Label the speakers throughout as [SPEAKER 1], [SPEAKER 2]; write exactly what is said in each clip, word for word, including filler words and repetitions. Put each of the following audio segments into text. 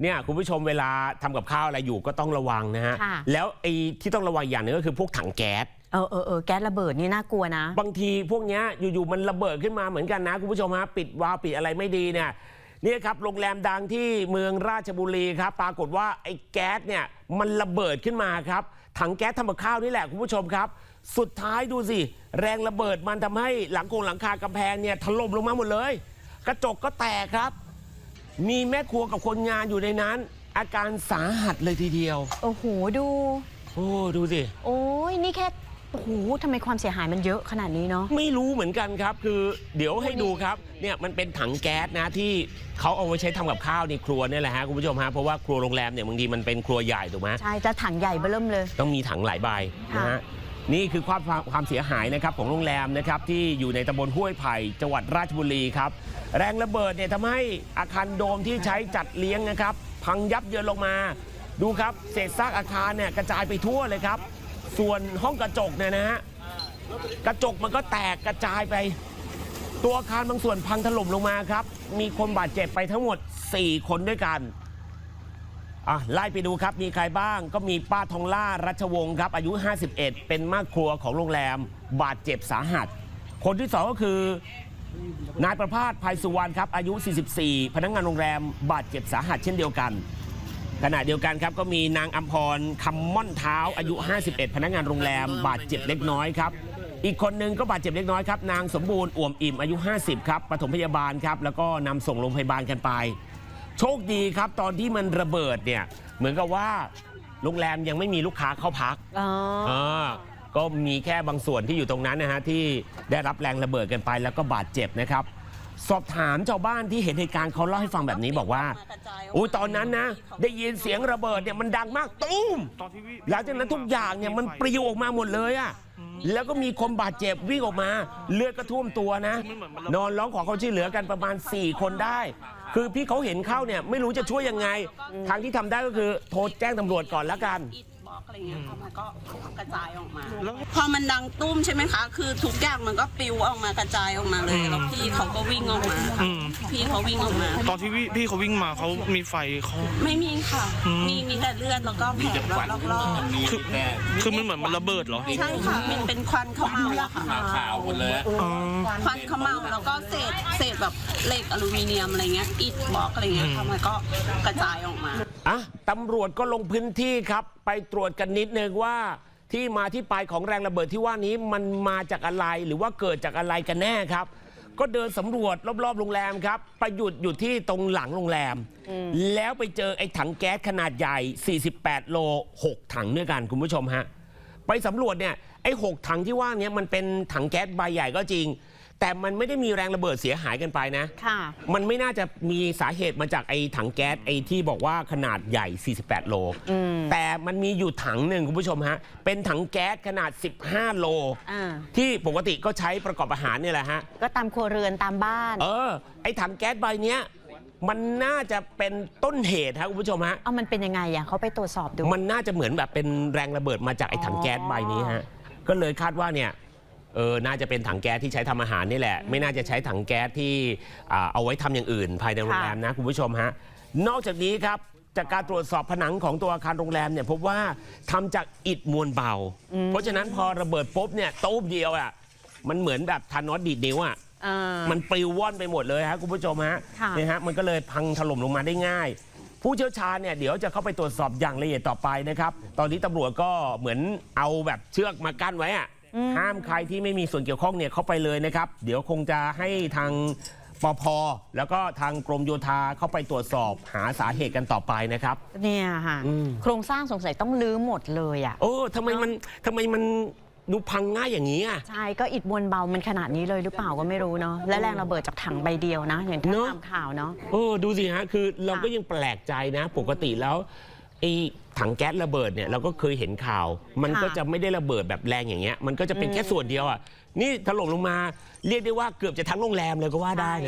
[SPEAKER 1] เนี่ยคุณผู้ชมเวลาทำกับข้าวอะไรอยู่ก็ต้องระวังนะฮะแล้วไอ้ที่ต้องระวังอย่างนึงก็คือพวกถังแก๊ส
[SPEAKER 2] เออเออเออแก๊สระเบิดนี่น่ากลัวนะ
[SPEAKER 1] บางทีพวกนี้อยู่ๆมันระเบิดขึ้นมาเหมือนกันนะคุณผู้ชมฮะปิดวาล์วปิดอะไรไม่ดีเนี่ยนี่ครับโรงแรมดังที่เมืองราชบุรีครับปรากฏว่าไอ้แก๊สเนี่ยมันระเบิดขึ้นมาครับถังแก๊สทำกับข้าวนี่แหละคุณผู้ชมครับสุดท้ายดูสิแรงระเบิดมันทำให้หลังคงหลังคากำแพงเนี่ยถล่มลงมาหมดเลยกระจกก็แตกครับมีแม่ครัวกับคนงานอยู่ในนั้นอาการสาหัสเลยทีเดียว
[SPEAKER 2] โอ้โหดู
[SPEAKER 1] โอ้ดูสิ
[SPEAKER 2] โอ้ยนี่แค่โอ้โหทำไมความเสียหายมันเยอะขนาดนี้เนาะ
[SPEAKER 1] ไม่รู้เหมือนกันครับคือเดี๋ยวให้ดูครับเนี่ยมันเป็นถังแก๊สนะที่เขาเอาไว้ใช้ทำกับข้าวในครัวนี่แหละฮะคุณผู้ชมฮะเพราะว่าครัวโรงแรมเนี่ยบางทีมันเป็นครัวใหญ่ถูกไหม
[SPEAKER 2] ใช่จะถังใหญ่เบิ่มเลย
[SPEAKER 1] ต้องมีถังหลายใบนะฮะนี่คือความความเสียหายนะครับของโรงแรมนะครับที่อยู่ในตำบลห้วยไผ่จังหวัดราชบุรีครับแรงระเบิดเนี่ยทำให้อาคารโดมที่ใช้จัดเลี้ยงนะครับพังยับเยินลงมาดูครับเศษซากอาคารเนี่ยกระจายไปทั่วเลยครับส่วนห้องกระจกเนี่ยนะฮะกระจกมันก็แตกกระจายไปตัวอาคารบางส่วนพังถล่มลงมาครับมีคนบาดเจ็บไปทั้งหมดสี่คนด้วยกันอ่ะไล่ไปดูครับมีใครบ้างก็มีป้าทองล่ารัชวงศ์ครับอายุห้าสิบเอ็ดเป็นแม่ครัวของโรงแรมบาดเจ็บสาหัสคนที่สองก็คือนายประภาสภัยสุวรรณครับอายุสี่สิบสี่พนักงานโรงแรมบาดเจ็บสาหัสเช่นเดียวกันขณะเดียวกันครับก็มีนางอัมพรคำม่อนเท้าอายุห้าสิบเอ็ดพนักงานโรงแรมบาดเจ็บเล็กน้อยครับอีกคนนึงก็บาดเจ็บเล็กน้อยครับนางสมบูรณ์อ่วมอิ่มอายุห้าสิบครับปฐมพยาบาลครับแล้วก็นำส่งโรงพยาบาลกันไปโชคดีครับตอนที่มันระเบิดเนี่ยเหมือนกับว่าโรงแรมยังไม่มีลูกค้าเข้าพักอ๋อก็มีแค่บางส่วนที่อยู่ตรงนั้นนะฮะที่ได้รับแรงระเบิดกันไปแล้วก็บาดเจ็บนะครับสอบถามชาวบ้านที่เห็นเหตุการณ์เขาเล่าให้ฟังแบบนี้บอกว่าอุ้ยตอนนั้นนะได้ยินเสียงระเบิดเนี่ยมันดังมากตุ้มหลังจากนั้นทุกอย่างเนี่ยมันปลิวออกมาหมดเลยอะแล้วก็มีคนบาดเจ็บวิ่งออกมาเลือดก็ท่วมตัวนะนอนร้องขอความช่วยเหลือกันประมาณสี่คนได้คือพี่เขาเห็นเข้าเนี่ยไม่รู้จะช่วยยังไงทางที่ทำได้ก็คือโทรแจ้งตำรวจก่อนแล้วกัน
[SPEAKER 3] อะไรเงี้ยมันก็กระจายออกมาพอมันดังตุ้มใช่ไหมคะคือทุกอย่างมันก็ปลิวออกมากระจายออกมาเลยแล้วพี่เขาก็วิ่งออกมาพี่เขาวิ่งออกมา
[SPEAKER 4] ตอนที่พี่เขาวิ่งมาเขามีไฟเขา
[SPEAKER 3] ไม่มีค่ะมีมีแต่เลือดแล้วก็แผลรอบๆ
[SPEAKER 4] คือคือมันเหมือนมันระเบิดเหรอ
[SPEAKER 3] ใช่ค่ะมันเป็นควันขมอะค่ะ
[SPEAKER 1] ขาวหมดเลย
[SPEAKER 3] ควันขมแล้วก็เศษเศษแบบเหล็กอลูมิเนียมอะไรเงี้ยอิฐบล็อกอะไรเงี้ยค่ะมันก็กระจายออกมา
[SPEAKER 1] อ่ะตำรวจก็ลงพื้นที่ครับไปตรวจกันนิดนึงว่าที่มาที่ไปของแรงระเบิดที่ว่านี้มันมาจากอะไรหรือว่าเกิดจากอะไรกันแน่ครับก็เดินสำรวจรอบๆโรงแรมครับไปหยุดอยู่ที่ตรงหลังโรงแรมแล้วไปเจอไอ้ถังแก๊สขนาดใหญ่สี่สิบแปดโลหกถังด้วยกันคุณผู้ชมฮะไปสำรวจเนี่ยไอ้หกถังที่ว่านี้มันเป็นถังแก๊สใบใหญ่ก็จริงแต่มันไม่ได้มีแรงระเบิดเสียหายกันไปนะค่ะมันไม่น่าจะมีสาเหตุมาจากไอ้ถังแก๊สไอ้ที่บอกว่าขนาดใหญ่สี่สิบแปดโลแต่มันมีอยู่ถังหนึ่งคุณผู้ชมฮะเป็นถังแก๊สขนาดสิบห้าโลที่ปกติก็ใช้ประกอบอาหารเนี่ยแหละฮะ
[SPEAKER 2] ก็ตามครัวเรือนตามบ้าน
[SPEAKER 1] เออไอ้ถังแก๊สใบเนี้ยมันน่าจะเป็นต้นเหตุครับคุณผู้ชมฮะ
[SPEAKER 2] เอามันเป็นยังไงอ่ะเขาไปตรวจสอบดู
[SPEAKER 1] มันน่าจะเหมือนแบบเป็นแรงระเบิดมาจากไอ้ถังแก๊สใบนี้ฮะก็เลยคาดว่าเนี่ยเออน่าจะเป็นถังแก๊สที่ใช้ทำอาหารนี่แหละไม่น่าจะใช้ถังแก๊สที่เอาไว้ทำอย่างอื่นภายในโรงแรมนะคุณผู้ชมฮะนอกจากนี้ครับจากการตรวจสอบผนังของตัวอาคารโรงแรมเนี่ยพบว่าทำจากอิฐมวลเบาเพราะฉะนั้นพอระเบิดปุ๊บเนี่ยตู้เดียวอ่ะมันเหมือนแบบทานอสดีดนิ้วอ่ะมันปลิวว่อนไปหมดเลยฮะคุณผู้ชมฮะนี่ฮะมันก็เลยพังถล่มลงมาได้ง่ายผู้เชี่ยวชาญเนี่ยเดี๋ยวจะเข้าไปตรวจสอบอย่างละเอียดต่อไปนะครับตอนนี้ตำรวจก็เหมือนเอาแบบเชือกมากั้นไว้อ่ะห้ามใครที่ไม่มีส่วนเกี่ยวข้องเนี่ยเข้าไปเลยนะครับเดี๋ยวคงจะให้ทางปภ.แล้วก็ทางกรมโยธาเข้าไปตรวจสอบหาสาเหตุกันต่อไปนะครับ
[SPEAKER 2] เนี่ยค่ะโครงสร้างสงสัยต้องลื้อหมดเลยอ่ะ
[SPEAKER 1] โอ้ทำไมมันทำไมมันดูพังง่ายอย่างนี้อ่ะ
[SPEAKER 2] ใช่ก็อิฐมวลเบามันขนาดนี้เลยหรือเปล่าก็ไม่รู้เนาะและแรงระเบิดจากถังใบเดียวนะอย่างที่ตามข่าวเนาะ
[SPEAKER 1] โอ้ดูสิฮะคือเราก็ยังแปลกใจนะปกติแล้วไอ้ถังแก๊สระเบิดเนี่ยเราก็เคยเห็นข่าวมันก็จะไม่ได้ระเบิดแบบแรงอย่างเงี้ยมันก็จะเป็นแค่ส่วนเดียวอ่ะนี่ถล่มลงมาเรียกได้ว่าเกือบจะทั้งโรงแรมเลยก็ว่าได้นะ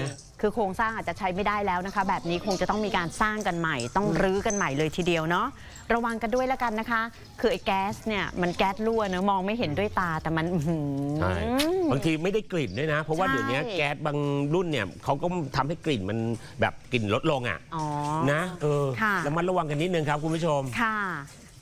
[SPEAKER 2] คือโครงสร้างอาจจะใช้ไม่ได้แล้วนะคะ แบบนี้คงจะต้องมีการสร้างกันใหม่ ต้องรื้อกันใหม่เลยทีเดียวเนาะระวังกันด้วยแล้วกันนะคะ คือไอ้แก๊สเนี่ยมันแก๊สรั่วเนอะมองไม่เห็นด้วยตาแต่มันอื้อหือ
[SPEAKER 1] ใช่บางทีไม่ได้กลิ่นด้วยนะ เพราะว่า
[SPEAKER 2] ใช่
[SPEAKER 1] เดี๋ยวนี้แก๊สบางรุ่นเนี่ยเขาก็ทำให้กลิ่นมันแบบกลิ่นลดลงอ่ะ
[SPEAKER 2] อ๋อ
[SPEAKER 1] นะเออ
[SPEAKER 2] ค่ะ
[SPEAKER 1] ระมัดระวังกันนิดนึงครับคุณผู้ชม
[SPEAKER 2] ค่ะ